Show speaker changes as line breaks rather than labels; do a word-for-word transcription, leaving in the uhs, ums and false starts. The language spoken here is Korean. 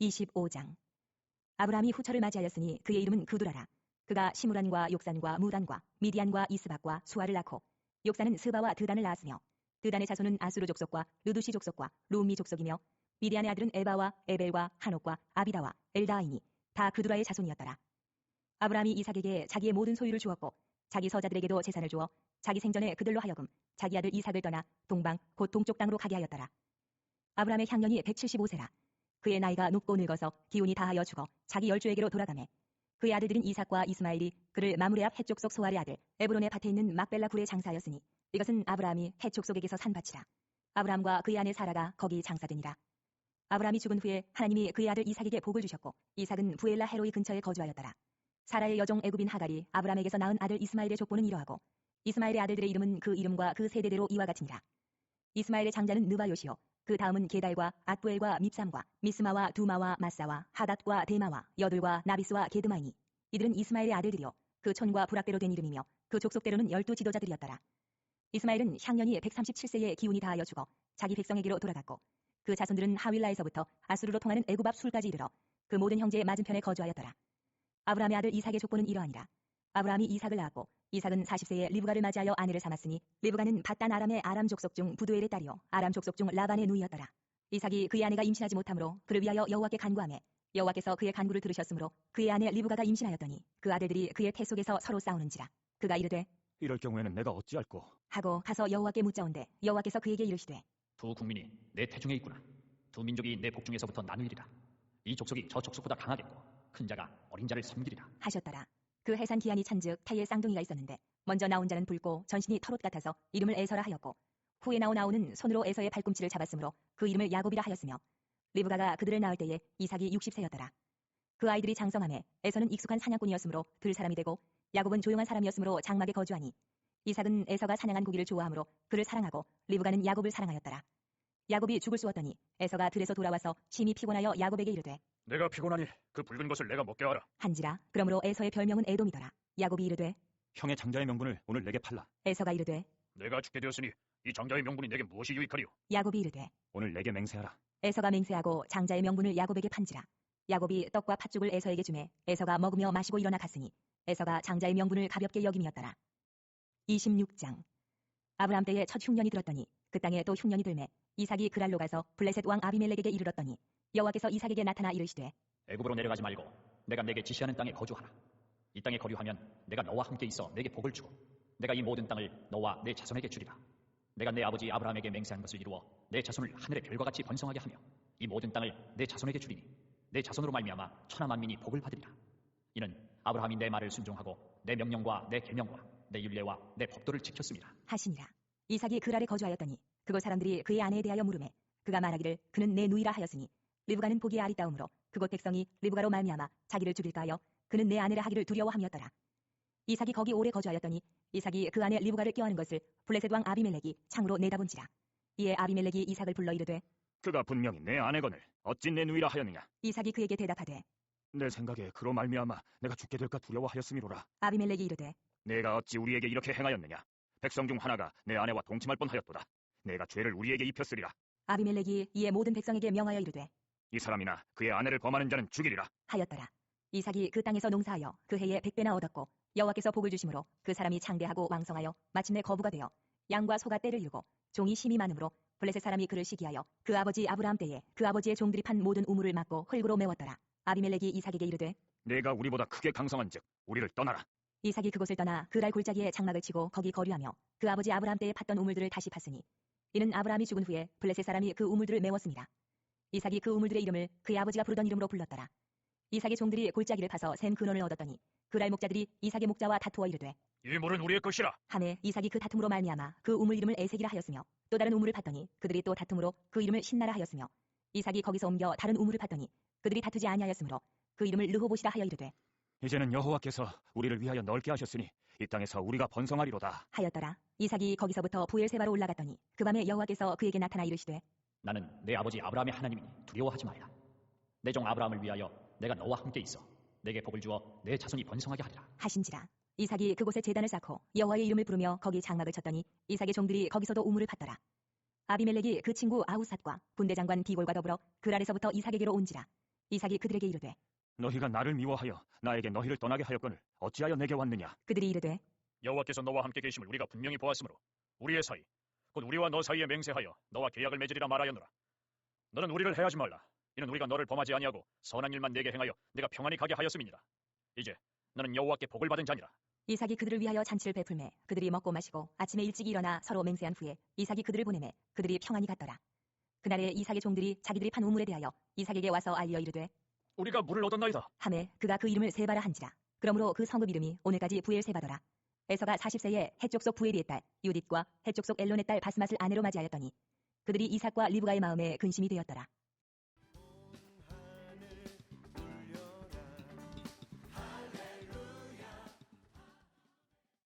이십오 장. 아브라함이 후처를 맞이하였으니 그의 이름은 그두라라. 그가 시므란과 욕산과 무단과 미디안과 이스박과 수아를 낳고, 욕산은 스바와 드단을 낳았으며, 드단의 자손은 아수르 족속과 르두시 족속과 룸미 족속이며, 미디안의 아들은 에바와 에벨과 한옥과 아비다와 엘다아이니 다 그두라의 자손이었더라. 아브라함이 이삭에게 자기의 모든 소유를 주었고, 자기 서자들에게도 재산을 주어 자기 생전에 그들로 하여금 자기 아들 이삭을 떠나 동방 곧 동쪽 땅으로 가게 하였더라. 아브라함의 향년이 백칠십오 세라. 그의 나이가 높고 늙어서 기운이 다하여 죽어 자기 열조에게로 돌아가매, 그의 아들들인 이삭과 이스마엘이 그를 마므레 앞 헷족속 소알의 아들 에브론의 밭에 있는 막벨라 굴에 장사하였으니, 이것은 아브라함이 헷족속에게서 산 밭이라. 아브라함과 그의 아내 사라가 거기 장사되니라. 아브라함이 죽은 후에 하나님이 그의 아들 이삭에게 복을 주셨고, 이삭은 부엘라 헤로이 근처에 거주하였더라. 사라의 여종 애굽인 하갈이 아브라함에게서 낳은 아들 이스마엘의 족보는 이러하고, 이스마엘의 아들들의 이름은 그 이름과 그 세대대로 이와 같으니라. 이스마엘의 장자는 느바요시요, 그 다음은 게달과 앗부엘과 밉삼과 미스마와 두마와 마사와 하닷과 데마와 여둘과 나비스와 게드마이니, 이들은 이스마엘의 아들들이요 그 촌과 부락대로 된 이름이며 그 족속대로는 열두 지도자들이었더라. 이스마엘은 향년이 백삼십칠 세에 기운이 다하여 죽어 자기 백성에게로 돌아갔고, 그 자손들은 하윌라에서부터 아수르로 통하는 애굽 앞 술까지 이르러 그 모든 형제의 맞은편에 거주하였더라. 아브라함의 아들 이삭의 족보는 이러하니라. 아브라함이 이삭을 낳았고, 이삭은 사십 세에 리브가를 맞이하여 아내를 삼았으니, 리브가는 밧단 아람의 아람 족속 중 부두엘의 딸이요 아람 족속 중 라반의 누이였더라. 이삭이 그의 아내가 임신하지 못하므로 그를 위하여 여호와께 간구하매, 여호와께서 그의 간구를 들으셨으므로 그의 아내 리브가가 임신하였더니 그 아들들이 그의 태 속에서 서로 싸우는지라. 그가 이르되
이럴 경우에는 내가 어찌할꼬
하고 가서 여호와께 묻자온대, 여호와께서 그에게 이르시되
두 국민이 내 태중에 있구나. 두 민족이 내 복중에서부터 나누리라. 이 족속이 저 족속보다 강하겠고 큰 자가 어린 자를 섬기리라
하셨더라. 그 해산 기한이 찬즉 타이에 쌍둥이가 있었는데, 먼저 나온 자는 붉고 전신이 털옷 같아서 이름을 에서라 하였고, 후에 나온 아우는 손으로 에서의 발꿈치를 잡았으므로 그 이름을 야곱이라 하였으며, 리브가가 그들을 낳을 때에 이삭이 육십 세였더라. 그 아이들이 장성함에 에서는 익숙한 사냥꾼이었으므로 들 사람이 되고, 야곱은 조용한 사람이었으므로 장막에 거주하니, 이삭은 에서가 사냥한 고기를 좋아하므로 그를 사랑하고, 리브가는 야곱을 사랑하였더라. 야곱이 죽을 쑤었더니 에서가 들에서 돌아와서 심히 피곤하여 야곱에게 이르되
내가 피곤하니 그 붉은 것을 내가 먹게 하라
한지라. 그러므로 에서의 별명은 에돔이더라. 야곱이 이르되
형의 장자의 명분을 오늘 내게 팔라.
에서가 이르되
내가 죽게 되었으니 이 장자의 명분이 내게 무엇이 유익하리요?
야곱이 이르되
오늘 내게 맹세하라.
에서가 맹세하고 장자의 명분을 야곱에게 판지라. 야곱이 떡과 팥죽을 에서에게 주매 에서가 먹으며 마시고 일어나 갔으니, 에서가 장자의 명분을 가볍게 여김이었더라. 이십육 장. 아브라함 때에 첫 흉년이 들었더니 그 땅에 또 흉년이 들매 이삭이 그랄로 가서 블레셋 왕 아비멜렉에게 이르렀더니, 여호와께서 이삭에게 나타나 이르시되
애굽으로 내려가지 말고 내가 내게 지시하는 땅에 거주하라. 이 땅에 거류하면 내가 너와 함께 있어 내게 복을 주고, 내가 이 모든 땅을 너와 내 자손에게 주리라. 내가 내 아버지 아브라함에게 맹세한 것을 이루어 내 자손을 하늘의 별과 같이 번성하게 하며 이 모든 땅을 내 자손에게 주리니, 내 자손으로 말미암아 천하 만민이 복을 받으리라. 이는 아브라함이 내 말을 순종하고 내 명령과 내 계명과 내 율례와 내 법도를 지켰습니다
하시니라. 이삭이 그랄에 거주하였더니 그곳 사람들이 그의 아내에 대하여 물으매, 그가 말하기를 그는 내 누이라 하였으니, 리브가는 보기에 아리따움으로 그곳 백성이 리브가로 말미암아 자기를 죽일까 하여 그는 내 아내라 하기를 두려워함이었더라. 이삭이 거기 오래 거주하였더니 이삭이 그 아내 리브가를 껴안은 것을 블레셋 왕 아비멜렉이 창으로 내다본지라. 이에 아비멜렉이 이삭을 불러 이르되
그가 분명히 내 아내거늘 어찌 내 누이라 하였느냐?
이삭이 그에게 대답하되
내 생각에 그로 말미암아 내가 죽게 될까 두려워하였음이로라.
아비멜렉이 이르되
내가 어찌 우리에게 이렇게 행하였느냐? 백성 중 하나가 내 아내와 동침할 뻔하였도다. 내가 죄를 우리에게 입혔으리라.
아비멜렉이 이에 모든 백성에게 명하여 이르되
이 사람이나 그의 아내를 범하는 자는 죽이리라
하였더라. 이삭이 그 땅에서 농사하여 그 해에 백배나 얻었고, 여호와께서 복을 주심으로 그 사람이 창대하고 왕성하여 마침내 거부가 되어 양과 소가 떼를 이루고 종이 심이 많으므로 블레셋 사람이 그를 시기하여 그 아버지 아브라함 때에 그 아버지의 종들이 판 모든 우물을 막고 흙으로 메웠더라. 아비멜렉이 이삭에게 이르되
내가 우리보다 크게 강성한즉 우리를 떠나라.
이삭이 그곳을 떠나 그랄 골짜기에 장막을 치고 거기 거류하며 그 아버지 아브라함 때에 팠던 우물들을 다시 팠으니, 이는 아브라함이 죽은 후에 블레셋 사람이 그 우물들을 메웠습니다. 이삭이 그 우물들의 이름을 그의 아버지가 부르던 이름으로 불렀더라. 이삭의 종들이 골짜기를 파서 샘 근원을 얻었더니 그랄 목자들이 이삭의 목자와 다투어 이르되
이 물은 우리의 것이라
하매 이삭이 그 다툼으로 말미암아 그 우물 이름을 에색이라 하였으며, 또 다른 우물을 팠더니 그들이 또 다툼으로 그 이름을 신나라 하였으며, 이삭이 거기서 옮겨 다른 우물을 팠더니 그들이 다투지 아니하였으므로 그 이름을 르호봇이라 하여 이르되
이제는 여호와께서 우리를 위하여 넓게 하셨으니 이 땅에서 우리가 번성하리로다
하였더라. 이삭이 거기서부터 부엘세바로 올라갔더니 그 밤에 여호와께서 그에게 나타나 이르시되
나는 내 아버지 아브라함의 하나님이니 두려워하지 말라. 내 종 아브라함을 위하여 내가 너와 함께 있어 내게 복을 주어 내 자손이 번성하게 하리라
하신지라. 이삭이 그곳에 제단을 쌓고 여호와의 이름을 부르며 거기 장막을 쳤더니 이삭의 종들이 거기서도 우물을 팠더라. 아비멜렉이 그 친구 아우삿과 군대장관 비골과 더불어 그랄에서부터 이삭에게로 온지라. 이삭이 그들에게 이르되
너희가 나를 미워하여 나에게 너희를 떠나게 하였거늘 어찌하여 내게 왔느냐?
그들이 이르되
여호와께서 너와 함께 계심을 우리가 분명히 보았으므로 우리의 사이 곧 우리와 너 사이에 맹세하여 너와 계약을 맺으리라 말하였노라. 너는 우리를 해하지 말라. 이는 우리가 너를 범하지 아니하고 선한 일만 내게 행하여 내가 평안히 가게 하였음이니라. 이제 너는 여호와께 복을 받은 자니라.
이삭이 그들을 위하여 잔치를 베풀매 그들이 먹고 마시고 아침에 일찍 일어나 서로 맹세한 후에 이삭이 그들을 보내매 그들이 평안히 갔더라. 그날에 이삭의 종들이 자기들이 판 우물에 대하여 이삭에게 와서 알려 이르되
우리가 물을 얻었나이다.
하매 그가 그 이름을 세바라 한지라. 그러므로 그 성읍 이름이 오늘까지 부엘세바더라. 에서가 사십 세에 해쪽 속 부엘이의 딸 유딧과 해쪽 속 엘론의 딸 바스맛을 아내로 맞이하였더니 그들이 이삭과 리브가의 마음에 근심이 되었더라.